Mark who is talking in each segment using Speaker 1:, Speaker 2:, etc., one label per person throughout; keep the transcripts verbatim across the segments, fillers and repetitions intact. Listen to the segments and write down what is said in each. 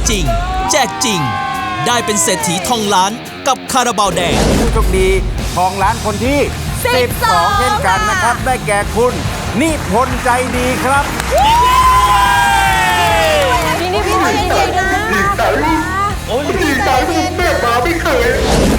Speaker 1: จริงแจกจริงได้เป็นเศรษฐีทองล้านกับคาราบาวแดง
Speaker 2: ผู้โชคดีทองล้านคนที่สิบสองเช่นกันนะครับได้แก่คุณนิพนธ์ใจดีครับ
Speaker 3: พี่นิพนธ์ใจดีนะดีใจโอ้ยดีใจที่แม่มาไม่เคย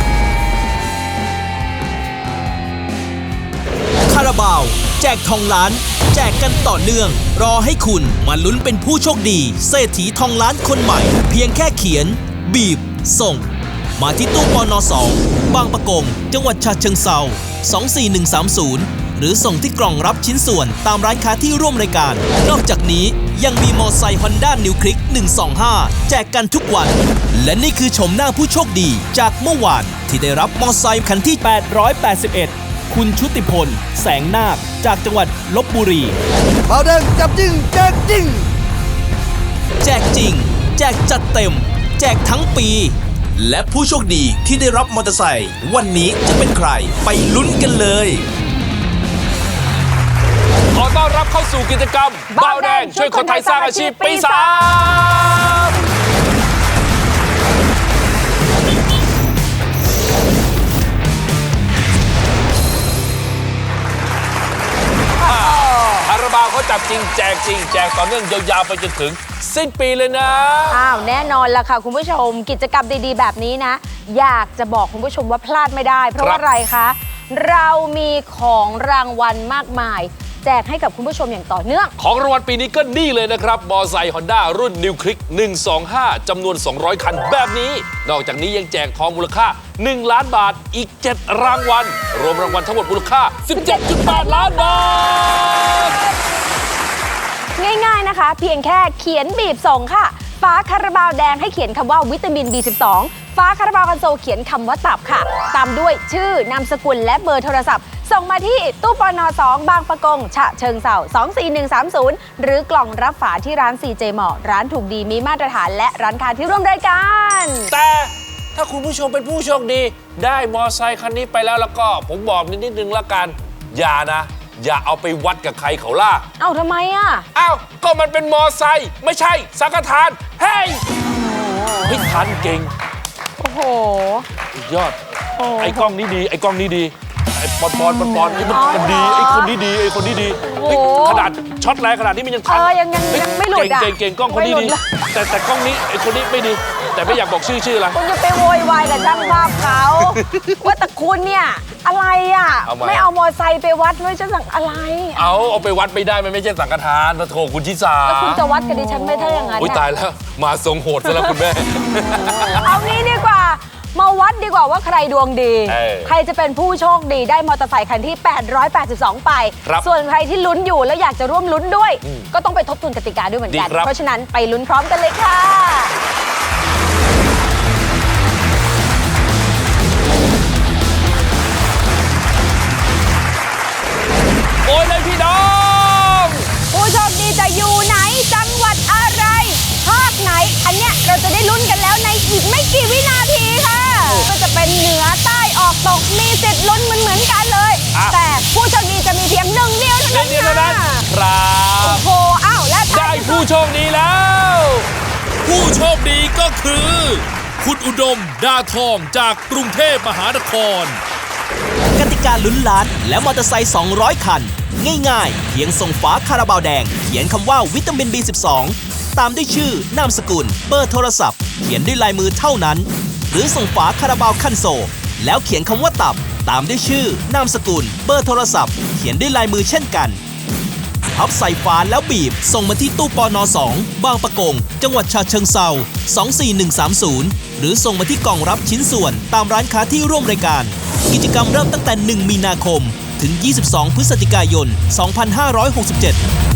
Speaker 1: คาราบาวแจกทองล้านแจกกันต่อเนื่องรอให้คุณมาลุ้นเป็นผู้โชคดีเศรษฐีทองล้านคนใหม่เพียงแค่เขียนบีบส่งมาที่ตู้ปน.สองบางปะกงจังหวัดฉะเชิงเทราสองสี่หนึ่งสามศูนย์หรือส่งที่กล่องรับชิ้นส่วนตามร้านค้าที่ร่วมรายการนอกจากนี้ยังมีมอไซค์ Honda New Click หนึ่งสองห้าแจกกันทุกวันและนี่คือชมหน้าผู้โชคดีจากเมื่อวานที่ได้รับมอไซค์คันที่แปดร้อยแปดสิบเอ็ดคุณชุติพลแสงนาคจากจังหวัดลพบุรี
Speaker 2: เบาแดงจับจริงแจกจริง
Speaker 1: แจกจริงแจกจัดเต็มแจกทั้งปีและผู้โชคดีที่ได้รับมอเตอร์ไซค์วันนี้จะเป็นใครไปลุ้นกันเลย
Speaker 4: ขอต้อนรับเข้าสู่กิจกรรมเบาแดงช่วยคนไทยสร้างอาชีพปีสามคาราบาวเขาจับจริงแจกจริงแจกต่อเนื่องยาวๆไปจนถึงสิ้นปีเลยนะ
Speaker 3: อ้าวแน่นอนละค่ะคุณผู้ชมกิจกรรมดีๆแบบนี้นะอยากจะบอกคุณผู้ชมว่าพลาดไม่ได้เพราะว่าอะไรคะเรามีของรางวัลมากมายแจกให้กับคุณผู้ชมอย่างต่อเนื่อง
Speaker 4: ของรางวัลปีนี้ก็นี่เลยนะครับมอไซค์ Honda รุ่น New Click หนึ่งสองห้าจำนวนสองร้อยคันแบบนี้นอกจากนี้ยังแจกทองมูลค่าหนึ่งล้านบาทอีกเจ็ดรางวัลรวมรางวัลทั้งหมดมูลค่า สิบเจ็ดจุดแปดล้านบาท
Speaker 3: ง่ายๆนะคะเพียงแค่เขียนบีบส่งค่ะฝาคาราบาวแดงให้เขียนคำว่าวิตามิน บี สิบสอง ฝาคาราบาวคันโซลเขียนคำว่าตับค่ะตามด้วยชื่อนามสกุลและเบอร์โทรศัพท์ส่งมาที่ตู้ปน.สองบางปะกงฉะเชิงเทราสองสี่หนึ่งสามศูนย์หรือกล่องรับฝาที่ร้าน ซี เจ Mall ร้านถูกดีมีมาตรฐานและร้านค้าที่ร่วมรายการ
Speaker 4: แต่ถ้าคุณผู้ชมเป็นผู้โชคดีได้มอไซค์คันนี้ไปแล้วแล้วก็ผมบอกนิดนึงละกันอย่านะอย่าเอาไปวัดกับใครเขาล่ะ
Speaker 3: เอ้าทำไมอ่ะ
Speaker 4: เอ้าก็มันเป็นมอไซค์ไม่ใช่สังฆทานเฮ้ยพิทันเก่ง
Speaker 3: โอ้โห
Speaker 4: ยอดไอ้กล้องนี้ดีไอ้กล้องนี้ดีไอ้ปอนปอนปอนปอนนี่มันมันดีไอ้คนนี้ดีไอ้คนนี้ดีขนาดช็อตแรงขนาดนี้มันยังทัน
Speaker 3: ยังยังยังไม่หลุดอ่ะ
Speaker 4: เก่งเก่งกล้องคนนี้ดีแต่แต่กล้องนี้ไอ้คนนี้ไม่ดีแต่ไม่อยากบอกชื่อชื่ออะไร
Speaker 3: คุณจะไปโวยวายกับช่างภาพเขาว่าแต่คุณเนี่ยอะไรอ่ะไม่เอามอไซค์ไปวัดด้วยจะสั่งอะไร
Speaker 4: เอาเอาไปวัดไม่ได้มันไม่ใช่สังฆทานพระโถคุณชิสา
Speaker 3: แล้วคุณจะวัดกับดิฉันไม่ได้อย่างนั้น
Speaker 4: อุ้ยตายแล้วมาทรงโหดซะแล้วคุณแม่
Speaker 3: เอางี้ดีกว่ามาวัดดีกว่าว่าใครดวงดีใครจะเป็นผู้โชคดีได้มอเตอร์ไซค์คันที่แปดร้อยแปดสิบสองไปส่วนใครที่ลุ้นอยู่แล้วอยากจะร่วมลุ้นด้วยก็ต้องไปทบทวนกติกาด้วยเหมือนกันเพราะฉะนั้นไปลุ้นพร้อมกันเลยค่ะ
Speaker 4: โอ้ยเลยพี่น้อง
Speaker 3: ผู้โชคดีจะอยู่ไหนจังหวัดอะไรภาคไหนอันเนี้ยเราจะได้ลุ้นกันแล้วในอีกไม่กี่วินาทีค่ะก็จะเป็นเหนือใต้ออกตกมีสิทธิ์ลุ้นเหมือนเหมือนกันเลยแต่ผู้โชคดีจะมีเพียงหนึ่งเดียวเท่านั้น
Speaker 4: ครับ
Speaker 3: โอ้โหอ้าวและ
Speaker 4: ได้ผู้โชคดีแล้ว
Speaker 1: ผู้โชคดีก็คือคุณอุดมดาทองจากกรุงเทพมหานครกติกาลุ้นล้านและมอเตอร์ไซค์สองร้อยคันง่ายๆเพียงส่งฝาคาราบาวแดงเขียนคำว่าวิตามิน บี สิบสอง ตามด้วยชื่อนามสกุลเบอร์โทรศัพท์เขียนด้วยลายมือเท่านั้นหรือส่งฝาคาราบาวคันโซลแล้วเขียนคำว่าตับตามด้วยชื่อนามสกุลเบอร์โทรศัพท์เขียนด้วยลายมือเช่นกันพับใส่ฝาแล้วบีบส่งมาที่ตู้ปน.สองบางปะกงจังหวัดฉะเชิงเทราสองสี่หนึ่งสามศูนย์หรือส่งมาที่กล่องรับชิ้นส่วนตามร้านค้าที่ร่วมรายการกิจกรรมเริ่มตั้งแต่หนึ่งมีนาคมถึงยี่สิบสองพฤศจิกายนสองพันห้าร้อยหกสิบเจ็ด